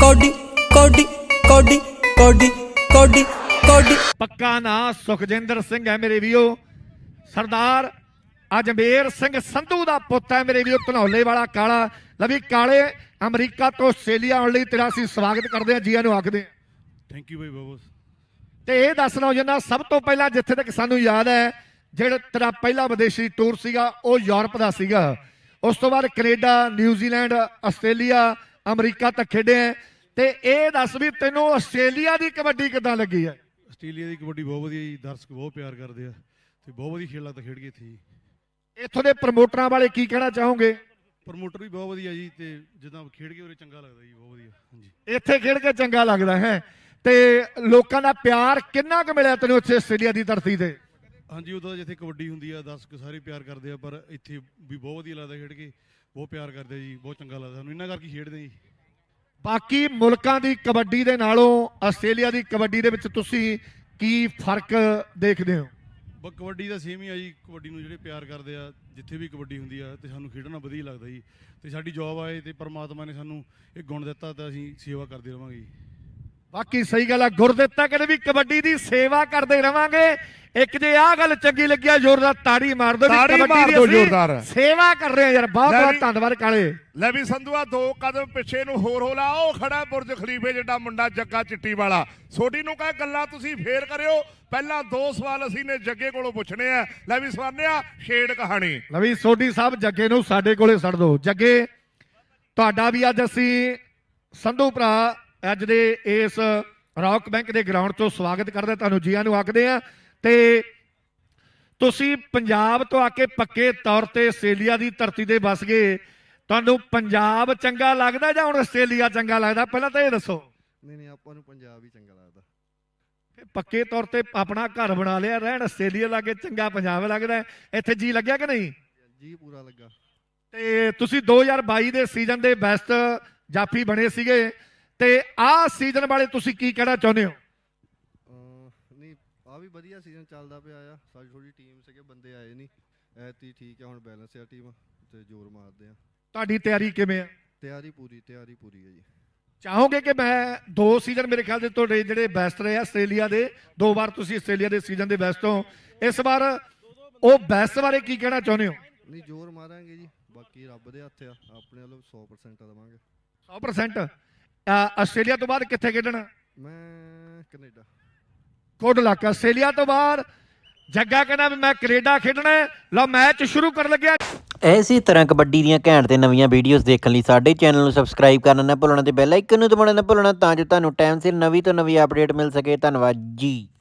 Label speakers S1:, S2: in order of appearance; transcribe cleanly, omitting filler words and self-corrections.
S1: Cody ਕੋਡੀ ਕੋਡੀ ਕੋਡੀ ਕੋਡੀ ਕੋਡੀ।
S2: ਪੱਕਾ ਨਾਂ ਸੁਖਜਿੰਦਰ ਸਿੰਘ ਹੈ ਮੇਰੇ ਵੀਰੋ। ਸਰਦਾਰ ਅਜਮੇਰ ਸਿੰਘ ਸੰਧੂ ਦਾ ਪੁੱਤ ਹੈ ਮੇਰੇ ਵੀਰੋ, ਧਨੌਲੇ ਵਾਲਾ ਕਾਲਾ। ਲਵੀ ਕਾਲੇ, ਅਮਰੀਕਾ ਤੋਂ ਆਸਟ੍ਰੇਲੀਆ ਆਉਣ ਲਈ ਤੇਰਾ ਅਸੀਂ ਸਵਾਗਤ ਕਰਦੇ ਹਾਂ, ਜੀਆਂ ਨੂੰ ਆਖਦੇ ਹਾਂ।
S3: ਥੈਂਕ ਯੂ ਬਾਈ ਬਹੁਤ।
S2: ਤੇ ਇਹ ਦੱਸ ਲਓ ਜਿੰਨਾ ਸਭ ਤੋਂ ਪਹਿਲਾਂ ਜਿੱਥੇ ਤੱਕ ਸਾਨੂੰ ਯਾਦ ਹੈ, ਜਿਹੜਾ ਤੇਰਾ ਪਹਿਲਾ ਵਿਦੇਸ਼ੀ ਟੂਰ ਸੀਗਾ ਉਹ ਯੂਰਪ ਦਾ ਸੀਗਾ। ਉਸ ਤੋਂ ਬਾਅਦ ਕੈਨੇਡਾ, ਨਿਊਜ਼ੀਲੈਂਡ, ਆਸਟ੍ਰੇਲੀਆ, ਅਮਰੀਕਾ ਤੱਕ ਖੇਡੇ। ਤੇ ਇਹ ਦੱਸ ਵੀ ਤੈਨੂੰ ਆਸਟ੍ਰੇਲੀਆ ਦੀ ਕਬੱਡੀ ਕਿੱਦਾਂ ਲੱਗੀ ਹੈ?
S3: ਆਸਟ੍ਰੇਲੀਆ ਦੀ ਕਬੱਡੀ ਬਹੁਤ ਵਧੀਆ ਜੀ, ਦਰਸ਼ਕ ਬਹੁਤ ਪਿਆਰ ਕਰਦੇ ਆ ਤੇ ਬਹੁਤ ਵਧੀਆ ਖੇਡ ਲੱਗਦਾ ਖੇਡ ਕੇ ਇੱਥੇ ਜੀ।
S2: ਇੱਥੋਂ ਦੇ ਪ੍ਰਮੋਟਰਾਂ ਬਾਰੇ ਕੀ ਕਹਿਣਾ ਚਾਹੋਗੇ?
S3: ਪ੍ਰਮੋਟਰ ਵੀ ਬਹੁਤ ਵਧੀਆ ਜੀ, ਤੇ ਜਿੱਦਾਂ ਖੇਡ ਕੇ ਉਰੇ ਚੰਗਾ ਲੱਗਦਾ ਜੀ, ਬਹੁਤ ਵਧੀਆ। ਹਾਂਜੀ,
S2: ਇੱਥੇ ਖੇਡ ਕੇ ਚੰਗਾ ਲੱਗਦਾ ਹੈ। ਤੇ ਲੋਕਾਂ ਦਾ ਪਿਆਰ ਕਿੰਨਾ ਕੁ ਮਿਲਿਆ ਤੈਨੂੰ ਇੱਥੇ ਆਸਟ੍ਰੇਲੀਆ ਦੀ ਧਰਤੀ ਤੇ?
S3: ਹਾਂਜੀ ਉਦੋਂ ਜਿੱਥੇ ਕਬੱਡੀ ਹੁੰਦੀ ਆ ਦਰਸ਼ਕ ਸਾਰੇ ਪਿਆਰ ਕਰਦੇ ਆ, ਪਰ ਇੱਥੇ ਵੀ ਬਹੁਤ ਵਧੀਆ ਲੱਗਦਾ ਖੇਡ ਕੇ, ਬਹੁਤ ਪਿਆਰ ਕਰਦੇ ਆ ਜੀ, ਬਹੁਤ ਚੰਗਾ ਲੱਗਦਾ ਸਾਨੂੰ, ਇਹਨਾਂ ਕਰਕੇ ਖੇਡਦੇ ਜੀ।
S2: ਬਾਕੀ ਮੁਲਕਾਂ ਦੀ ਕਬੱਡੀ ਦੇ ਨਾਲੋਂ ਆਸਟ੍ਰੇਲੀਆ ਦੀ ਕਬੱਡੀ ਦੇ ਵਿੱਚ ਤੁਸੀਂ ਕੀ ਫਰਕ ਦੇਖਦੇ ਹੋ?
S3: ਬਸ ਕਬੱਡੀ ਦਾ ਸੇਮ ਹੀ ਆ ਜੀ, ਕਬੱਡੀ ਨੂੰ ਜਿਹੜੇ ਪਿਆਰ ਕਰਦੇ ਆ ਜਿੱਥੇ ਵੀ ਕਬੱਡੀ ਹੁੰਦੀ ਆ ਤੇ ਸਾਨੂੰ ਖੇਡਣਾ ਵਧੀਆ ਲੱਗਦਾ ਜੀ। ਤੇ ਸਾਡੀ ਜੌਬ ਆਏ ਤੇ ਪਰਮਾਤਮਾ ਨੇ ਸਾਨੂੰ ਇਹ ਗੁਣ ਦਿੱਤਾ ਤਾਂ ਅਸੀਂ ਸੇਵਾ ਕਰਦੇ ਰਵਾਂਗੇ ਜੀ।
S2: ਬਾਕੀ ਸਹੀ ਗੱਲ ਆ, ਗੁਰਦਿੱਤਾ ਕਹਿੰਦੇ ਵੀ ਕਬੱਡੀ ਦੀ ਸੇਵਾ ਕਰਦੇ ਰਵਾਂਗੇ। ਇੱਕ ਜੇ ਆਹ ਗੱਲ ਚੰਗੀ ਲੱਗਿਆ ਜ਼ੋਰਦਾਰ ਤਾੜੀ ਮਾਰ ਦਿਓ।
S4: ਤਾੜੀ ਮਾਰ ਦਿਓ ਜ਼ੋਰਦਾਰ।
S2: ਸੇਵਾ ਕਰ ਰਹੇ ਆ ਯਾਰ, ਬਹੁਤ ਬਹੁਤ ਧੰਨਵਾਦ ਕਾਲੇ।
S4: ਲੈ ਵੀ ਸੰਧੂਆ 2 ਕਦਮ ਪਿੱਛੇ ਨੂੰ ਹੋਰ ਹੋ ਲਾ, ਉਹ ਖੜਾ ਬੁਰਜ ਖਲੀਫੇ ਜਿਹੜਾ ਮੁੰਡਾ ਜੱਗਾ ਚਿੱਟੀ ਵਾਲਾ। ਸੋਢੀ ਨੂੰ ਕਹੇ ਗੱਲਾਂ ਤੁਸੀਂ ਫੇਰ ਕਰਿਓ, ਪਹਿਲਾਂ 2 ਸਵਾਲ ਅਸੀਂ ਨੇ ਜੱਗੇ ਕੋਲੋਂ ਪੁੱਛਣੇ ਆ। ਲੈ ਵੀ ਸਵਾਨਿਆ ਛੇੜ ਕਹਾਣੀ।
S2: ਲਵੀ ਸੋਢੀ ਸਾਹਿਬ ਜੱਗੇ ਨੂੰ ਸਾਡੇ ਕੋਲੇ ਛੱਡ ਦਿਓ। ਜੱਗੇ ਤੁਹਾਡਾ ਵੀ ਅੱਜ ਅਸੀਂ ਸੰਧੂ ਭਰਾ ਅੱਜ ਦੇ ਇਸ ਰੌਕ ਬੈਂਕ ਦੇ ਗਰਾਊਂਡ ਤੋਂ ਸਵਾਗਤ ਕਰਦੇ, ਤੁਹਾਨੂੰ ਜੀਆਂ ਨੂੰ ਆਖਦੇ ਆ। ਤੇ ਤੁਸੀਂ ਪੰਜਾਬ ਤੋਂ ਆ ਕੇ ਪੱਕੇ ਤੌਰ ਤੇ ਆਸਟ੍ਰੇਲੀਆ ਦੀ ਧਰਤੀ ਤੇ ਵਸ ਗਏ। ਤੁਹਾਨੂੰ ਪੰਜਾਬ ਚੰਗਾ ਲੱਗਦਾ ਜਾਂ ਹੁਣ ਆਸਟ੍ਰੇਲੀਆ ਚੰਗਾ ਲੱਗਦਾ? ਪਹਿਲਾਂ ਤਾਂ ਇਹ ਦੱਸੋ।
S5: ਨਹੀਂ ਆਪਾਂ ਨੂੰ ਪੰਜਾਬ ਹੀ ਚੰਗਾ ਲੱਗਦਾ।
S2: ਪੱਕੇ ਤੌਰ ਤੇ ਆਪਣਾ ਘਰ ਬਣਾ ਲਿਆ, ਰਹਿਣ ਆਸਟ੍ਰੇਲੀਆ ਲਾਗੇ ਚੰਗਾ ਪੰਜਾਬ ਲੱਗਦਾ। ਇੱਥੇ ਜੀ ਲੱਗਿਆ ਕਿ ਨਹੀਂ?
S5: ਜੀ ਪੂਰਾ ਲੱਗਾ।
S2: ਤੇ ਤੁਸੀਂ 2022 ਦੇ ਸੀਜ਼ਨ ਦੇ ਬੈਸਟ ਜਾਫੀ ਬਣੇ ਸੀਗੇ, ਤੇ ਆਹ ਸੀਜ਼ਨ ਬਾਰੇ ਤੁਸੀਂ ਕੀ ਕਹਿਣਾ ਚਾਹੁੰਦੇ ਹੋ?
S5: ਨਹੀਂ ਆ ਵੀ ਵਧੀਆ ਸੀਜ਼ਨ ਚੱਲਦਾ ਪਿਆ ਆ। ਸਾਡੀ ਥੋੜੀ ਟੀਮ ਸੀਗੇ, ਬੰਦੇ ਆਏ ਨਹੀਂ ਐਤੀ, ਠੀਕ ਆ ਹੁਣ ਬੈਲੈਂਸ ਆ ਟੀਮ ਤੇ ਜ਼ੋਰ ਮਾਰਦੇ ਆ।
S2: ਤੁਹਾਡੀ ਤਿਆਰੀ ਕਿਵੇਂ ਆ?
S5: ਤਿਆਰੀ ਪੂਰੀ ਹੈ ਜੀ।
S2: ਚਾਹੋਗੇ ਕਿ ਮੈਂ 2 ਸੀਜ਼ਨ ਮੇਰੇ ਖਿਆਲ ਦੇ ਤੁਹਾਡੇ ਜਿਹੜੇ ਬੈਸਟ ਰਹੇ ਆਸਟ੍ਰੇਲੀਆ ਦੇ, 2 ਵਾਰ ਤੁਸੀਂ ਆਸਟ੍ਰੇਲੀਆ ਦੇ ਸੀਜ਼ਨ ਦੇ ਬੈਸਟ ਹੋ, ਇਸ ਵਾਰ ਉਹ ਬੈਸਟ ਬਾਰੇ ਕੀ ਕਹਿਣਾ ਚਾਹੁੰਦੇ ਹੋ?
S5: ਨਹੀਂ ਜ਼ੋਰ ਮਾਰਾਂਗੇ ਜੀ, ਬਾਕੀ ਰੱਬ ਦੇ ਹੱਥ ਆ, ਆਪਣੇ ਵੱਲੋਂ 100% ਦੇਵਾਂਗੇ।
S2: 100%। ਆਸਟ੍ਰੇਲੀਆ ਤੋਂ ਬਾਅਦ ਕਿੱਥੇ ਖੇਡਣਾ?
S5: ਮੈਂ ਕੈਨੇਡਾ।
S2: Good luck. ਆਸਟ੍ਰੇਲੀਆ ਤੋਂ ਬਾਅਦ ਜੱਗਾ ਕਹਿੰਦਾ ਵੀ ਮੈਂ ਕੈਨੇਡਾ ਖੇਡਣਾ। ਲਓ ਮੈਚ ਸ਼ੁਰੂ ਕਰਨ ਲੱਗਿਆ।
S6: ਇਸੇ ਤਰ੍ਹਾਂ ਕਬੱਡੀ ਦੀਆਂ ਘੈਂਟ ਤੇ ਨਵੀਆਂ ਵੀਡੀਓਜ਼ ਦੇਖਣ ਲਈ ਸਾਡੇ ਚੈਨਲ ਨੂੰ ਸਬਸਕ੍ਰਾਈਬ ਕਰਨਾ ਨਾ ਭੁੱਲਣਾ ਤੇ ਬੈਲ ਆਈਕਨ ਨੂੰ ਦਬਾਉਣਾ ਨਾ ਭੁੱਲਣਾ, ਤਾਂ ਜੋ ਤੁਹਾਨੂੰ ਟਾਈਮ ਸਿਰ ਨਵੀਂ ਤੋਂ ਨਵੀਂ ਅਪਡੇਟ ਮਿਲ ਸਕੇ। ਧੰਨਵਾਦ ਜੀ।